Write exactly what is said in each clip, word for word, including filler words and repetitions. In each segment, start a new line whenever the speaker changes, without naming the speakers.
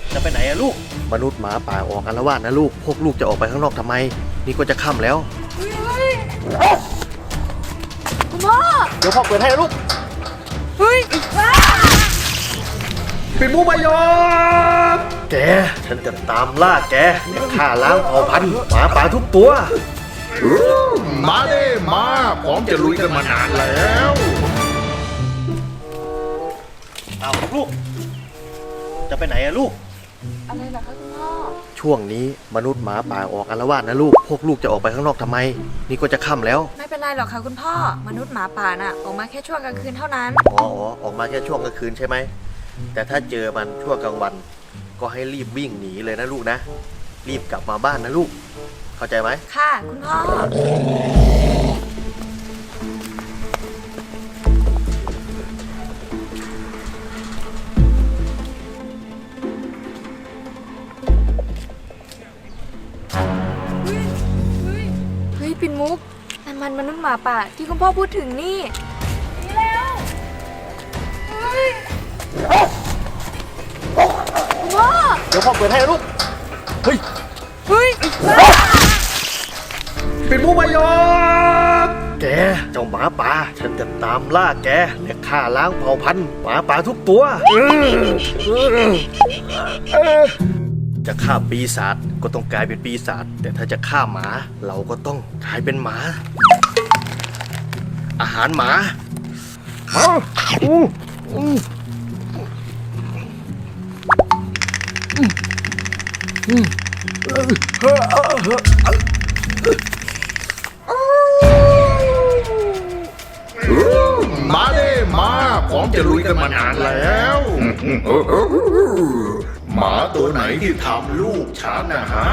จะไปไหนอะลูกมนุษย์หมาป่าออกอาละวาดนะลูกพวกลูกจะออกไปข้างนอกทำไมนี่ก็จะค่ำแล้ว
คุณพ่อ
เดี๋ยวพ่อเปิดให้นะลูก
เฮ้ย
ปิดมุ้งมายอมแกฉันจะตามล่าแกและฆ่าล้างเผ่าพันธุ์หมาป่าทุกตัว
มาเด้มาพร้อมจะลุยกันมานานแล้ว
เอาลูกจะไปไหนอะลูก
อะไรเหรอคะคุณพ่อ
ช่วงนี้มนุษย์หมาป่าออกอาละวาดนะลูกพวกลูกจะออกไปข้างนอกทำไมนี่ก็จะค่ำแล้ว
ไม่เป็นไรหรอกค่ะคุณพ่อมนุษย์หมาป่าน่ะออกมาแค่ช่วงกลางคืนเท่านั้น
อ๋อออกมาแค่ช่วงกลางคืนใช่ไหมแต่ถ้าเจอมันช่วงกลางวันก็ให้รีบวิ่งหนีเลยนะลูกนะรีบกลับมาบ้านนะลูกเข้าใจไหม
ค่ะคุณพ่อเฮ้ยปิ่นมุกนั่นมันมนุษย์หมาป่าที่คุณพ่อพูดถึงนี่นี่แล้วเฮ้ยคุณพ่อ
เดี๋ยวพ่อเปิดให้นะลูกเฮ้ย
เฮ้ย
ปิดมุ้งมายอมแกเจ้าหมาป่าฉันจะตามล่าแกและฆ่าล้างเผ่าพันธุ์หมาป่าทุกตัวจะฆ่าปีศาจก็ต้องกลายเป็นปีศาจแต่ถ้าจะฆ่าหมาเราก็ต้องกลายเป็นหมาอาหารหมา
มาเด้มาพร้อมจะลุยกันมานานแล้วหมาตัวไหนที่ทำลูกฉันนะฮะ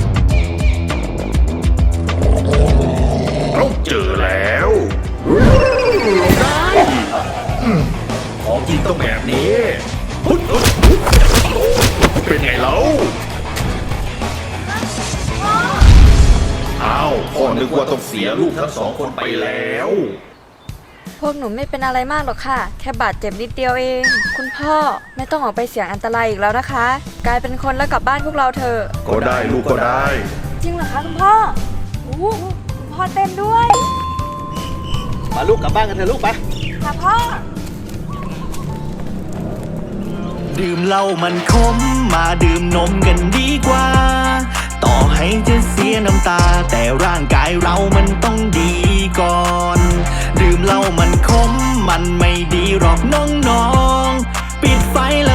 เราเจอแล้วได้ของจริงต้องแบบนี้เป็นไงเล่าอ้าวพ่อนึกว่าต้องเสียลูกทั้งสองคนไปแล้ว
พวกหนูไม่เป็นอะไรมากหรอกค่ะแค่บาดเจ็บนิดเดียวเองคุณพ่อไม่ต้องออกไปเสี่ยงอันตรายอีกแล้วนะคะกลายเป็นคนแล้วกลับบ้านพวกเราเถอะ
ก็ได้ลูกก็ได้
จริงเหรอคะคุณพ่อโอ้คุณพ่อเต้นด้วย
มาลูกกลับบ้านกันเถอะลูกไป
ค่ะพ่อ
ดื่มเหล้ามันขมมาดื่มนมกันดีกว่าต่อให้จะเสียน้ำตาแต่ร่างกายเรามันต้องดีก่อนดื่มเหล้ามันขมมันไม่ดีหรอกน้องๆปิดไฟ